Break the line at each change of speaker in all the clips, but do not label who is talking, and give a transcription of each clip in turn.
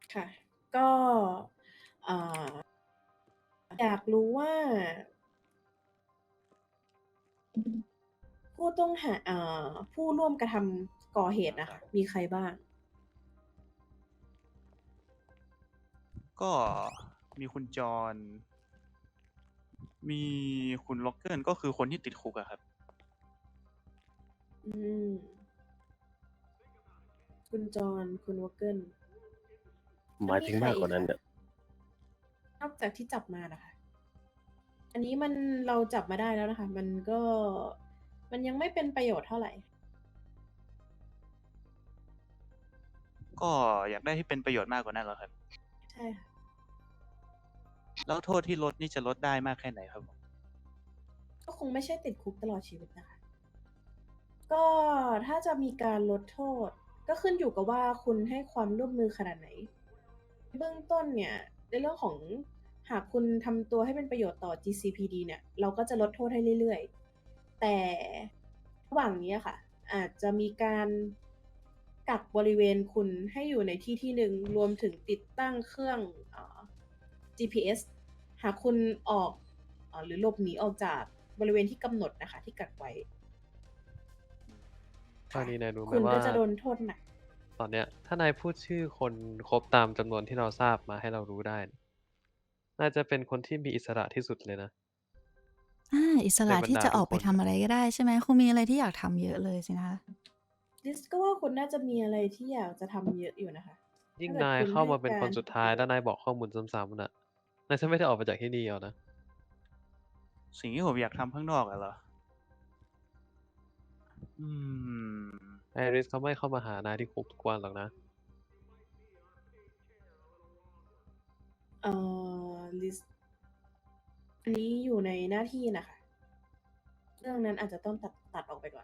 ค่ะ ก็เอ่ออยากรู้ว่าผู้ต้องหาผู้ร่วมกระทำก่อเหตุนะคะมีใครบ้าง
ก็มีคุณจอห์นมีคุณล็อกเกิลก็คือคนที่ติดคุกอะครับ
อืม คุณจอห์นคุณวอเกิล
ห
แล้วมี
มายถึงมาก
ใครอีกคะ
กว่านั้นเนี่ย
นอกจากที่จับมานะคะ อันนี้มันเราจับมาได้แล้วนะคะ มันยังไม่เป็นประโยชน์เท่าไหร่
ก็อยากได้ที่เป็นประโยชน์มากกว่านั้นเหรอครับ
ใช่ค่ะ
แล้วโทษที่ลดนี่จะลดได้มากแค่ไหนครับผม
ก็คงไม่ใช่ติดคุกตลอดชีวิตนะคะ ก็ถ้าจะมีการลดโทษ ก็ขึ้นอยู่กับว่าคุณให้ความร่วมมือขนาดไหน เบื้องต้นเนี่ยในเรื่องของหากคุณทำตัวให้เป็นประโยชน์ต่อ GCPD เนี่ยเราก็จะลดโทษให้เรื่อยๆแต่ระหว่างนี้ค่ะอาจจะมีการกักบริเวณคุณให้อยู่ในที่ที่หนึ่งรวมถึงติดตั้งเครื่องGPS หากคุณออกหรือหลบหนีออกจากบริเวณที่กำหนดนะคะที่กักไว้
ตอนนี้นายรู้ไหม
คุณ
ว่า
ก็จะโดนโทษหนัก
ตอนเนี้ยถ้านายพูดชื่อคนครบตามจำนวนที่เราทราบมาให้เรารู้ได้เนี่ยน่าจะเป็นคนที่มีอิสระที่สุดเลยนะ
อิส
ใน
ระที่
บรรดา
จะออกไปทำ
ทุกคนน่ะ
อะไรก็ได้ใช่ไหมคงมีอะไรที่อยากทำเยอะเลยสินะคะ
ลิสก็ว่าคุณน่าจะมีอะไรที่อยากจะทำเยอะอยู่นะคะ
ยิ่ง
ถ้าเกิดคุณ
นายเข้า
ให้กา
มาเป็นคน
ร
สุดท้าย
ที่เป็นประโยชน์
แล้วนายบอกข้อมูลซ้ำๆน่ะนายจะไม่ได้ออกไปจากที่นี่เอานะ
สิ่งที่ผมอยากทำข้างนอกอะเหรอ อืม
ไอริสเขาไม่เข้ามาหานายที่คุกทุกวันหรอกนะ
ลิสอันนี้อยู่ในหน้าที่นะคะ เรื่องนั้นอาจจะต้องตัดออกไปก่อน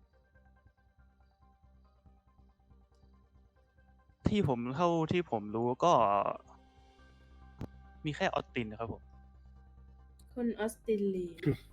เท่าที่ผมรู้ก็มีแค่ออสตินนะครับผม
คุณออสตินลี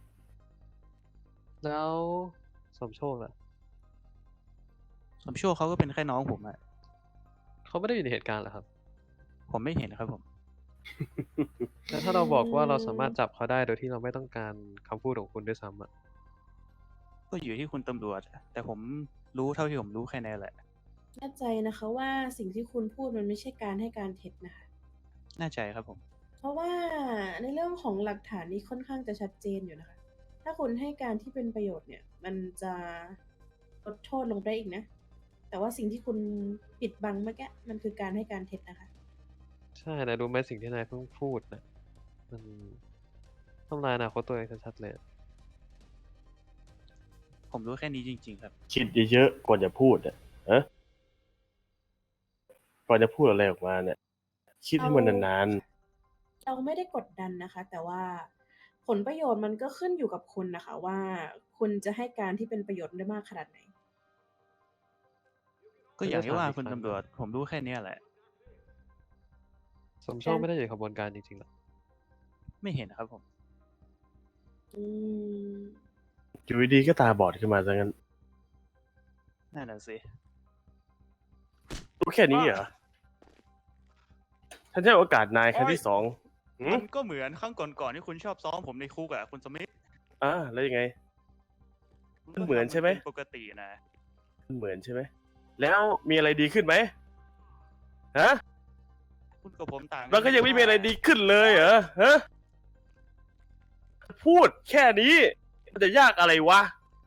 แล้วสมโชคล่ะ
สมชั่วเขาก็เป็นแค่น้องผมอะ
เขาไม่ได้อยู่ในเหตุการณ์เหรอครับ
ผมไม่เห็นครับผม
แล้วถ้าเราบอกว่าเราสามารถจับเขาได้โดยที่เราไม่ต้องการคำพูดของคุณด้วยซ้ำอ่ะ
ก็อยู่ที่คุณตำรวจอะแต่ผมรู้เท่าที่ผมรู้แค่นั้นแหละ
แน่ใจนะคะว่าสิ่งที่คุณพูดมันไม่ใช่การให้การเท็จนะคะ
แน่ใจครับผม
เพราะว่าในเรื่องของหลักฐานนี้ค่อนข้างจะชัดเจนอยู่นะคะ ถ้าคุณให้การที่เป็นประโยชน์เนี่ย มันจะลดโทษลงได้อีกนะ แต่ว่าสิ่งที่คุณปิดบังเมื่อกี้มันคือการให้การเท็จนะคะ
ใช่นายรู้ไหมสิ่งที่นายเพิ่งพูดนะมันทำลายอนาคตตัวเองชัดๆเลยอะ
ผมรู้แค่นี้จริงๆครับ
คิดเยอะๆก่อนจะพูดอ่ะฮะก่อนจะพูดอะไรออกมาเนี่ย คิดให้มันนาน
เราไม่ได้กดดันนะคะ แต่ว่าผลประโยชน์มันก็ขึ้นอยู่กับคุณนะคะ ว่าคุณจะให้การที่เป็นประโยชน์ได้มากขนาดไหน
ก็อย่างที่ว่าคุณตำรวจ ผมรู้แค่เนี้ยแหละ
สมโชคไม่ได้อยู่ในขบวนการจริงๆหรอก
ไม่เห็นครับผม
อืม
อยู่ดีๆก็ตาบอดขึ้นมาซะงั้น
นั่นน่ะสิ
รู้แค่นี้เหรอฉันจะให้โอกาสนายครั้งที่สอง
มันก็เหมือนครั้งก่อนๆที่คุณชอบซ้อมผมในคุกอะคุณสมิธ
แล้วยังไง
คุณ
มันเหมือนใช่ไหม
ปกตินะ
มันเหมือนใช่ไหม แล้วมีอะไรดีขึ้นไหมฮะ
คุณกับผมต่าง
เราก็ยังไม่มีอะไรดีขึ้นเลยเหรอฮะ พูดแค่นี้ มันจะยากอะไรวะ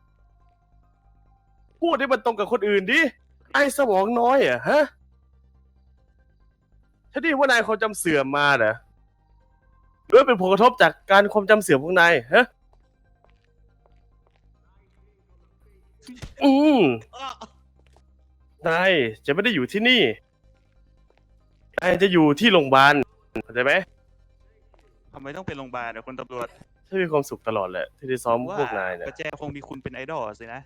พูดให้มันตรงกับคนอื่นดิ ไอ้สมองน้อยเหรอ่ะฮะฉันได้ยินว่านายความจำเสื่อมมาเหรอหรือว่าเป็นผลกระทบจากการความจำเสื่อมของนายฮะ อืม
อ้อ
นายจะไม่ได้อยู่ที่นี่ นายจะอยู่ที่โรงพยาบาลเข้าใจไหม
ทำไมต้องเป็นโรงพยาบาลอะคุณตำรวจ
ฉันมีความสุขตลอดแหละที่ได้ซ้อมพวกนายเนี่ย
ประแจคงมีคุณเป็นไอดอลสินะ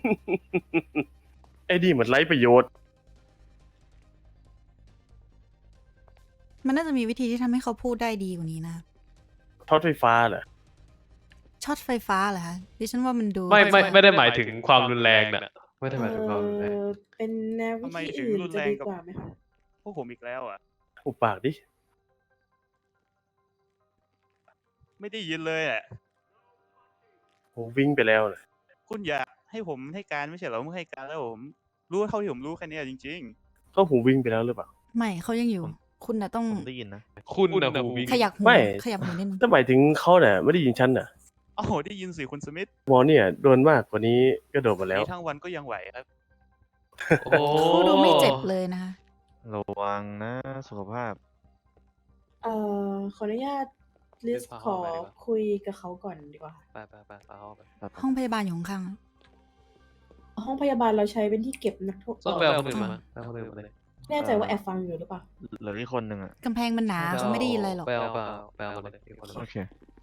ไอ้นี่มันไร้ประโยชน์
มันน่าจะมีวิธีที่ทำให้เขาพูดได้ดีกว่านี้นะ
ทอดไฟฟ้าเหรอ
ช็อตไฟฟ้าเหรอคะดิฉันว่ามันดู
ไม่ได้หมายถึงความรุนแรงน่ะ ไม่ได้หมายถึงความรุนแรง
เป็นแนววิ
ทำไม
ธี
ถึง
อื่น
รุน
จะ
แรง
ดี
กับ
กว่าไหมคะ
พวกผมอีกแล้วอะ
อุบปากดิ
ไม่ได้ยินเลยอ่ะ
ผมวิ่งไปแล้วนะ
คุณอยากให้ผมให้การไม่ใช่เหรอผมให้การแล้วผมรู้เท่าที่ผมรู้แค่เนี้ยจริง
ก็ผมวิ่งไปแล้วหรือเปล่า
ไม่เขายังอยู่ คุณน่ะต้อง
ผมได้ยินนะ
คุณนะหูวิ่ง
ขยับหู
ไม่
ขยับหูนิดนึง
ถ้าหมายถึงเขาเนี่ยไม่ได้ยินฉันน่ะ
ๆโอ้โหได้ยินสิคุณสมิธ
วอลเนี่ยโดนมากกว่านี้ก็โดนมาแล้ว
นี่ทั้งวันก็ยังไหวครับ
โอ้
เขาดูไม่เจ็บเลยนะคะ
ระวังนะสุขภาพ
ขออนุญาตลิสขอคุยกับเขาก่อนดีกว่า
ไปเอาไป
ห้องพยาบาลอยู่ข้าง
ห้องพยาบาลเราใช้เป็นที่เก็บนักโทษ
ต้องไปเอาคนอื่นมาไปเอาคนอื่นมาเลย
แน่ใจว่าแอบฟังอยู่หรือเปล่า
เหลืออีกคนหนึ่งอ่ะ
ๆกำแพงมันหนาเขาไม่ได้ยินอะไรหรอก
ไปเอามาเลยอีกคนหนึ่ง
โอเค